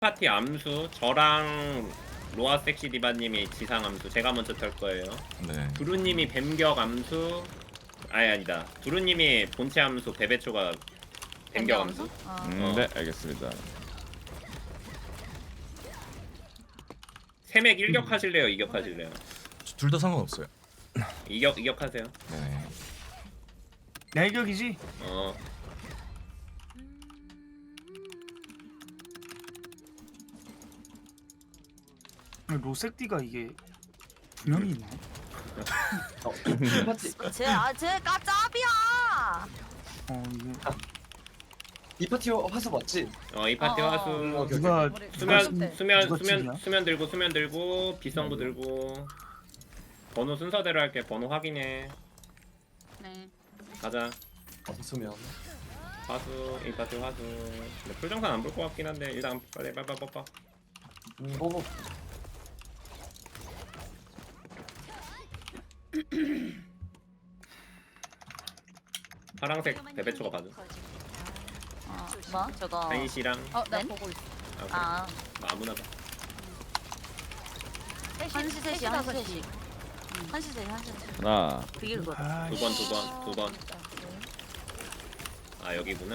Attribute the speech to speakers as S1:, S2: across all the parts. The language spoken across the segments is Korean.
S1: 파티 암수 저랑 로아 섹시 디바님이 지상 암수 제가 먼저 털 거예요.
S2: 네.
S1: 두루님이 뱀격 암수 아니다. 두루님이 본체 암수 베베초가 뱀격 암수.
S2: 네, 알겠습니다.
S1: 세맥 일격 하실래요? 이격 하실래요?
S2: 둘 다 상관없어요.
S1: 이격 하세요.
S2: 네.
S3: 내격이지?
S1: 어.
S3: 로색디가 이게 두 명이 있네.
S4: 쟤가 짭이야.
S3: 이게
S5: 이 파티 화수 맞지?
S1: 이 파티 화수.
S5: 오케이.
S3: 누가
S1: 수면 들고 비성부 들고 번호 순서대로 할게. 번호 확인해.
S4: 네.
S1: 가자.
S5: 수면.
S1: 화수 이 파티 화수. 근데 풀정산 안 볼 것 같긴 한데 일단 빨리 빠빠빠빠.
S5: 뭐
S1: 파랑색 베베초가 봐줘.
S4: 뭐 저거.
S1: 한시랑
S4: 나
S6: 네?
S4: 보고 있어.
S1: 아, 그래. 아무나 봐.
S4: 1시 3시 1시 3시 1시 3시 1시.
S2: 하나,
S4: 그게 그거다.
S3: 아,
S1: 두 번. 아 여기구나.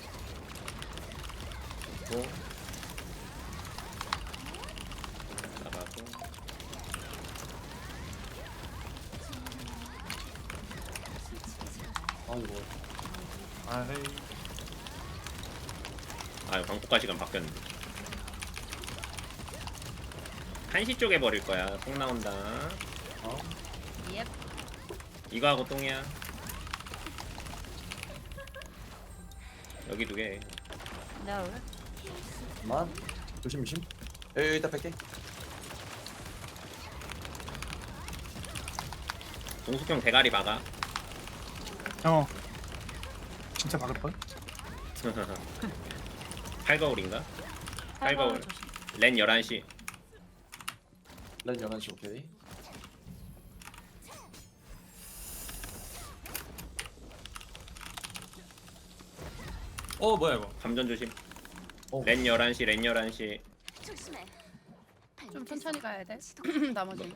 S1: 또 나가고.
S5: 아이고.
S1: 광폭가 시간 바뀌었는데. 1시 쪽에 버릴 거야. 똥 나온다.
S4: 예.
S1: 이거 하고 똥이야. 여기 두 개.
S4: 내가 왜?
S5: 만 조심. 에이 이따 뺄게.
S1: 동숙형 대가리 막아.
S3: 진짜 박을 뻔?
S1: 팔거울인가? 팔거울. 렌 11시.
S5: 렌 11시 오케이.
S7: 뭐야 이거?
S1: 감전 조심.
S5: 어.
S1: 렌 11시.
S6: 좀 천천히 가야 돼. 나머지.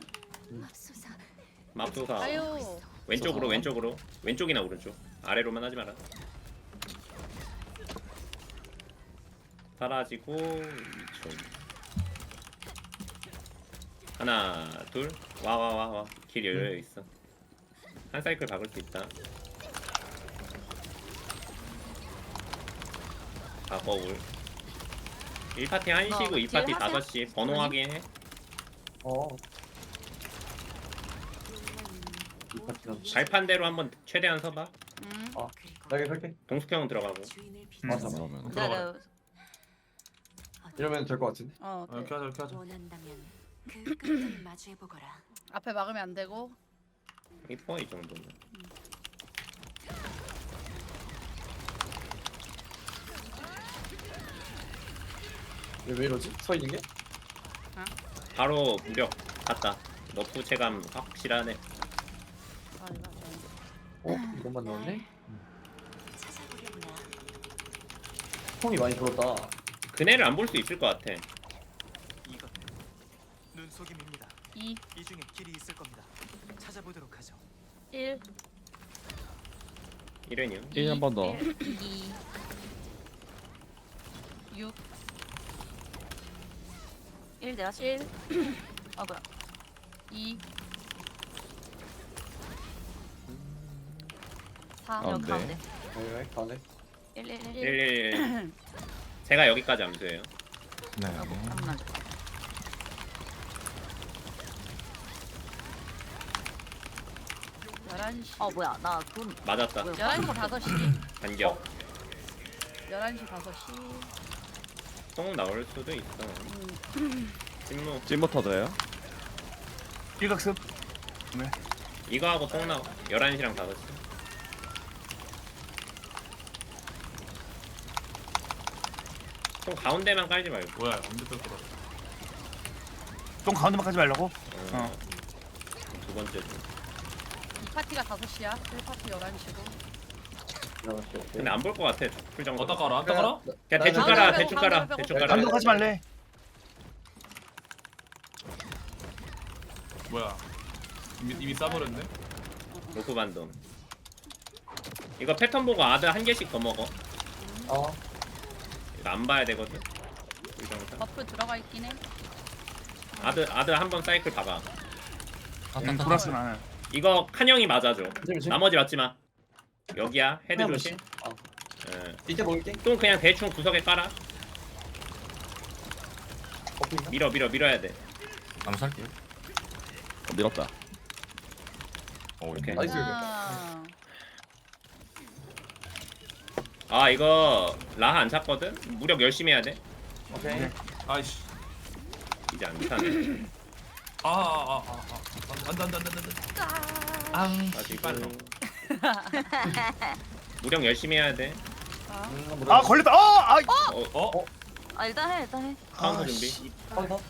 S1: 맙소사.
S6: 아유.
S1: 왼쪽으로. 왼쪽이나 오른쪽. 아래로만 하지 마라. 사라지고 2초. 하나, 둘. 와. 길 열려 있어. 한 사이클 박을 수 있다. 거울. 1파티 1시고 2파티
S4: 딜 하세요?
S1: 5시. 번호 확인해.
S5: 이 파티는
S1: 발판대로 한번 최대한 서봐.
S5: 나 여기 뺄게.
S1: 동숙형은 들어가고.
S5: 맞아.
S2: 그러면
S4: 내가
S5: 이러면 될 것 같은데.
S7: 이렇게 하자.
S8: 원한다면 그 끝을 마주해 보거라.
S6: 앞에 막으면 안 되고.
S1: 이뻐 이 정도면.
S5: 왜 이러지? 서 있는 게?
S1: 바로 무력 갔다. 너프 체감 확실하네.
S5: 이것만 넣었네?
S8: 찾아보려구나.
S5: 콩이 많이 들었다.
S1: 그네를 안 볼 수 있을 것 같아.
S9: 이것 눈속임입니다.
S6: 2,
S9: 이 중에 길이 있을 겁니다. 찾아보도록 하죠.
S6: 1,
S1: 이래니요.
S2: 1 한 번 더.
S4: 2,
S6: 6,
S4: 1 내가
S6: 1,
S4: 뭐야?
S6: 2, 4,
S2: 아,
S4: 여기
S2: 네.
S4: 가운데.
S5: 네, 가네.
S4: 1, 1, 1,
S1: 111. 제가 여기까지 암수예요.
S2: 네.
S4: 잠깐만. 뭐야? 나 돈.
S1: 맞았다.
S4: 뭐야?
S6: 11시 5시.
S1: 반격.
S6: 11시 5시.
S1: 똥 나올 수도 있어. 찜무.
S2: 찜버 터져요?
S3: 일각습.
S1: 이거 하고 똥 나와. 11시랑 5시. 똥 가운데만 깔지 말고.
S7: 뭐야 언제 뜰 거야?
S3: 똥 가운데만 가지 말라고?
S1: 두 번째 중.
S6: 2파티가 5시야. 1파티 11시고.
S1: 근데 안 볼 것 같아. 풀정도.
S7: 어디다 깔아?
S1: 그냥 대충 깔아. 대충 깔아.
S6: 가운데
S1: 대충 깔아.
S3: 감독하지 말래.
S7: 뭐야? 이미 싸버렸네.
S1: 로프 반동. 이거 패턴 보고 아드 한 개씩 더 먹어.
S5: 어.
S1: 이거 안 봐야 되거든. 불정상.
S6: 버프 들어가 있긴 해.
S1: 아드 한 번 사이클 봐봐.
S3: 돌았어 나는.
S1: 이거 칸형이 맞아줘.
S5: 그치?
S1: 나머지 맞지 마. 여기야. 헤드
S5: 그냥
S1: 조심.
S5: 어.
S1: 예.
S5: 이제 먹을게.
S1: 똥 그냥 대충 구석에 깔아.
S5: 버프인가?
S1: 밀어야 돼.
S2: 암살게요. 밀었다.
S1: 오케이.
S5: 나이스.
S6: 아,
S1: 아 이거 라하 안 찼거든. 무력 열심히 해야 돼.
S5: 오케이.
S7: 아이씨.
S1: 이제 안 차네.
S7: 안돼.
S1: 아직 빨라. 무력 열심히 해야 돼.
S3: 아 걸렸다. 아.
S4: 아 일단 해.
S1: 카운터 준비.
S5: 카운터.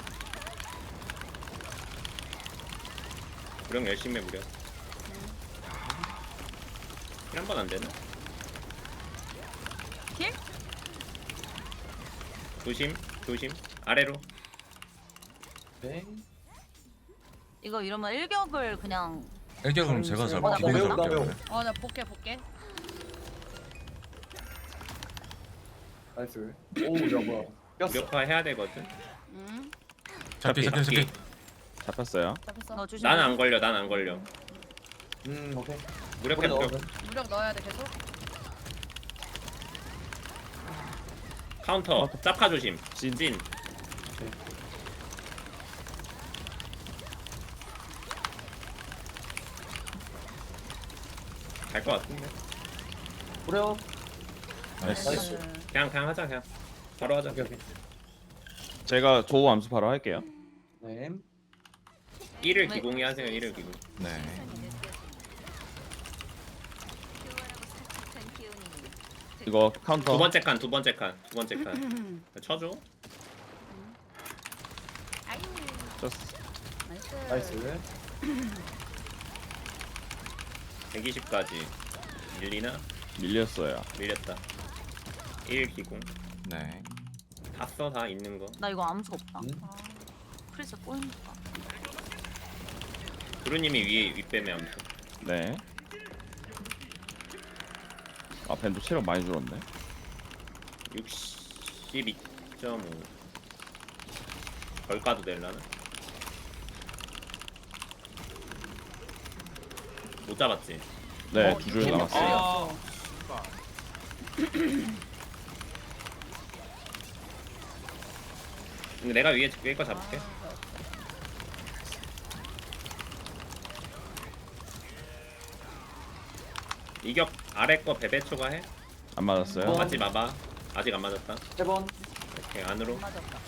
S1: 무력 열심히 해 무력. 한 번 안 되나?
S6: 킬?
S1: 조심. 아래로.
S5: 오케이.
S4: 이거 이러면 일격을 그냥
S2: 일격은 제가 잡아.
S4: 나
S2: 기본적으로
S5: 매우, 나
S2: 할게요.
S5: 매우.
S2: 그러면.
S6: 나 볼게.
S5: 나이스. 오, 야 뭐야? 꼈어.
S1: 무력화 해야 되거든.
S2: 잡기.
S10: 잡혔어요.
S6: 잡혔어.
S4: 너 조심.
S1: 난 안 걸려.
S5: 오케이.
S1: 무력해
S5: 넣어.
S1: 무력.
S6: 무력 넣어야 돼 계속.
S1: 카운터. 짭카 조심. 진. 갈 것 같은데.
S5: 그래요.
S2: 나이스.
S5: 나이스.
S1: 그냥 하자 그냥. 바로 하자.
S5: 오케이 오케이.
S10: 제가 조우 암수 바로 할게요.
S5: 네.
S1: 1을 기공이 하세요. 1을 기공.
S2: 네.
S10: 이거 카운터.
S1: 두 번째 칸. 쳐줘.
S5: 나이스.
S1: 120까지 밀리나?
S10: 밀렸어요.
S1: 밀렸다. 1 기공.
S2: 네.
S1: 다 써 다 있는 거.
S4: 나 이거 암수 없다.
S5: 응?
S4: 프리스 꼬인다.
S1: 구루님이 위에 윗뱀에 암수.
S10: 네. 아 밴도 체력 많이 줄었네.
S1: 62.5. 덜 까도 될라나? 못 잡았지.
S10: 네, 두 줄 남았어요.
S1: 근데 내가 위에 거 잡을게. 이격 아래 거 베베 초과해?
S10: 안 맞았어요.
S1: 맞지 마봐. 아직 안 맞았다.
S5: 1번.
S1: 오케이 안으로.
S6: 맞았다.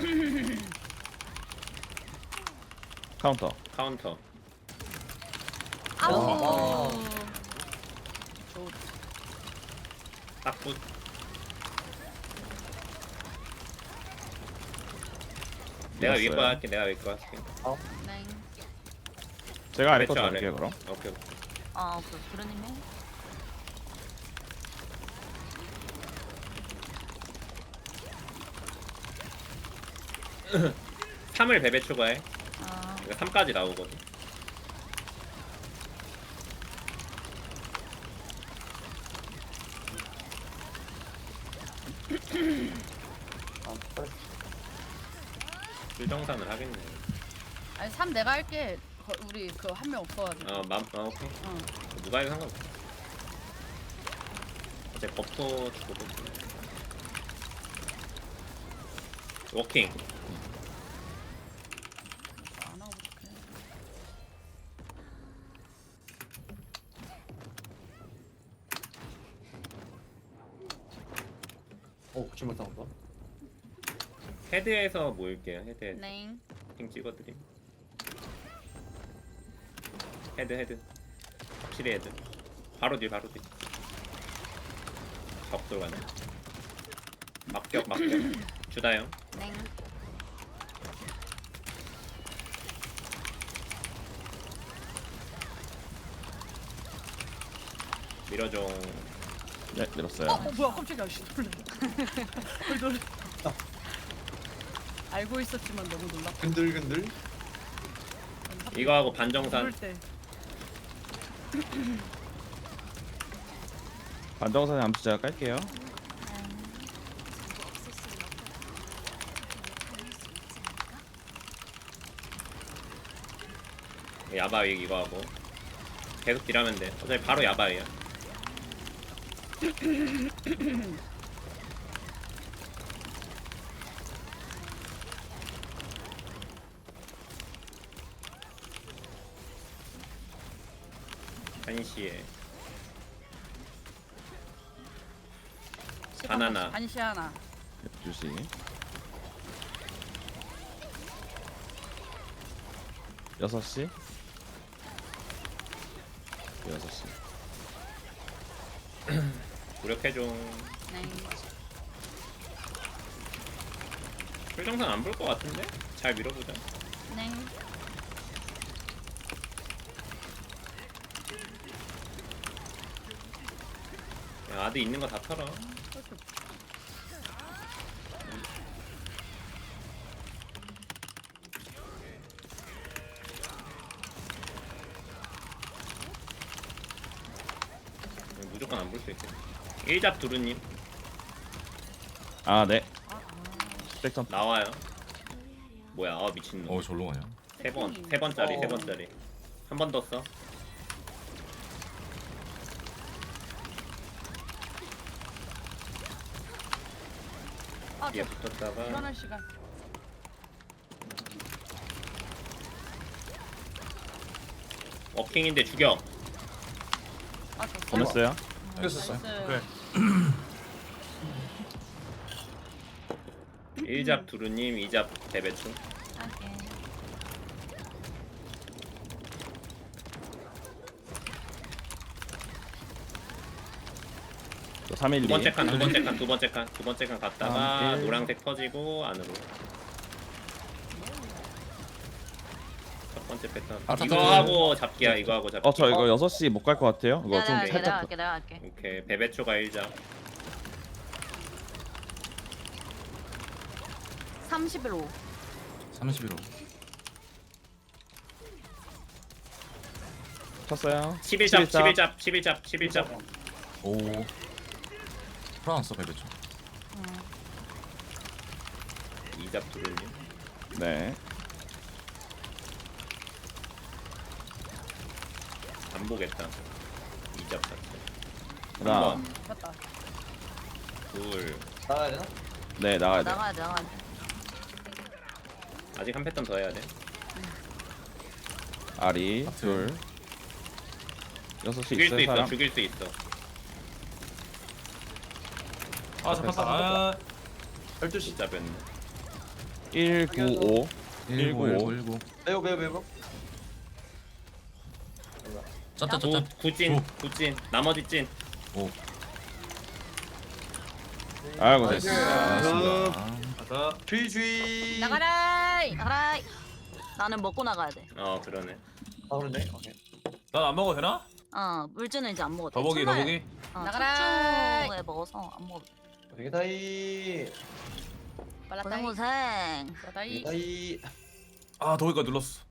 S10: 카운터.
S1: 카운터.
S5: 아.
S1: 딱붙. 내가 위에 거
S10: 밀었어요.
S1: 할게. 내가 위에 거 할게.
S6: 네.
S10: 제가 아래 거
S1: 그렇죠,
S10: 잡을게요
S1: 아래.
S10: 그럼.
S1: 오케이.
S4: 아 오케이. 그러님이
S1: 3을 베베 초과해.
S4: 아
S1: 이거 3까지 나오거든.
S5: 아, 빨리.
S1: 불정산을 하겠네.
S6: 아니 3 내가 할게. 우리 그 한 명 없어가지고.
S1: 오케이.
S6: 응.
S1: 누가 해도 상관없어. 이제 버프 주고 볼게. 워킹.
S6: 안 하고 볼게.
S5: 기분 나온다.
S1: 헤드에서 모일게요. 헤드에서.
S6: 네.
S1: 팅 찍어드림. 헤드. 확실히 헤드. 바로 뒤. 적돌 가네. 막격. 주다영.
S4: 네.
S1: 밀어줘.
S10: 네, 밀었어요.
S6: 뭐야 깜짝이야. 씨 놀래. 알고 있었지만 너무 놀랐다.
S5: 근들.
S1: 이거 하고 반정산.
S6: 부를 때.
S10: 반정산에 암수 제가 깔게요.
S8: 전부 없앨 수는 없더라도 가능할 수 있지 않을까?
S1: 야바위 이거 하고 계속 딜하면 돼. 어차피 바로 야바위야. 한시에 바나나.
S6: 한시 하나.
S10: 12시. 6시. 6시.
S1: 무력해줘.
S6: 네.
S1: 풀정산 안 볼 것 같은데? 잘 밀어보자.
S6: 네.
S1: 야, 아드 있는 거 다 털어. 무조건 안 볼 수 있겠네. 1잡 두루님
S10: 아, 네. 백점.
S1: 나와요. 뭐야? 미친놈.
S2: 어 절로 가냐?
S1: 세 번짜리 세 번짜리. 한 번 더 써.
S6: 아,
S1: 뒤에
S6: 저
S1: 붙었다가
S6: 일어날 시간.
S1: 워킹인데 죽여.
S6: 아, 저
S10: 보냈어요.
S2: 됐었어요.
S6: 그래.
S1: 1잡 두루님, 2잡 대배추.
S4: 할게.
S10: 또 312.
S1: 두 번째 칸, 두 번째 칸, 두 번째 칸, 두 번째 칸 갔다가
S10: 일.
S1: 노란색 터지고 안으로. 첫 번째 패턴.
S2: 아,
S1: 이거
S2: 잠깐만.
S1: 하고 잡기야. 이거 하고 잡기.
S10: 저 이거 6시 못 갈 것 같아요. 이거 좀
S4: 내가
S10: 살짝.
S4: 할게. 내가 할게.
S1: 오케이. 베베초가 1잡.
S4: 31호.
S2: 31호.
S10: 쳤어요.
S1: 11잡,
S10: 11잡.
S1: 11잡, 11잡, 11잡.
S2: 오. 프랑스 베베죠.
S1: 2잡 두루님.
S10: 네.
S1: 안 보겠다. 2잡 자체.
S10: 하나.
S1: 한 번,
S6: 맞다.
S1: 둘.
S5: 나가야 되나?
S10: 네, 나가야 돼.
S4: 나가야 돼. 나가야 돼.
S1: 아직 한 패턴 더 해야 돼.
S10: 아리. 둘. 6시
S1: 죽일 수
S10: 있어요,
S1: 있어.
S10: 사람.
S1: 죽일 수 있어.
S7: 아 잡혔다. 아
S5: 12시.
S1: 2잡은
S10: 195.
S2: 1919.
S5: 매우.
S2: 짭짭 짭짭.
S1: 구찐,
S2: 오.
S1: 구찐. 나머지 찐.
S2: 오.
S10: 아이고,
S5: 나이스.
S10: 됐어.
S2: 알았습니다.
S7: 가자.
S5: 주의.
S6: 나가라이.
S4: 나가라. 나는 먹고 나가야 돼.
S1: 그러네.
S5: 아, 그런데? 오케이.
S7: 난 안 먹어도 되나?
S4: 물주는 이제 안 먹어도 돼.
S7: 더보기
S4: 첫날-
S7: 더보기.
S6: 나가라.
S4: 첫주에 먹어서 안 먹어도 돼.
S5: 되게 다이.
S6: 빨랐다이.
S4: 고생 고생.
S6: 빨랐다이.
S5: 다이.
S7: 아 더보기가 눌렀어.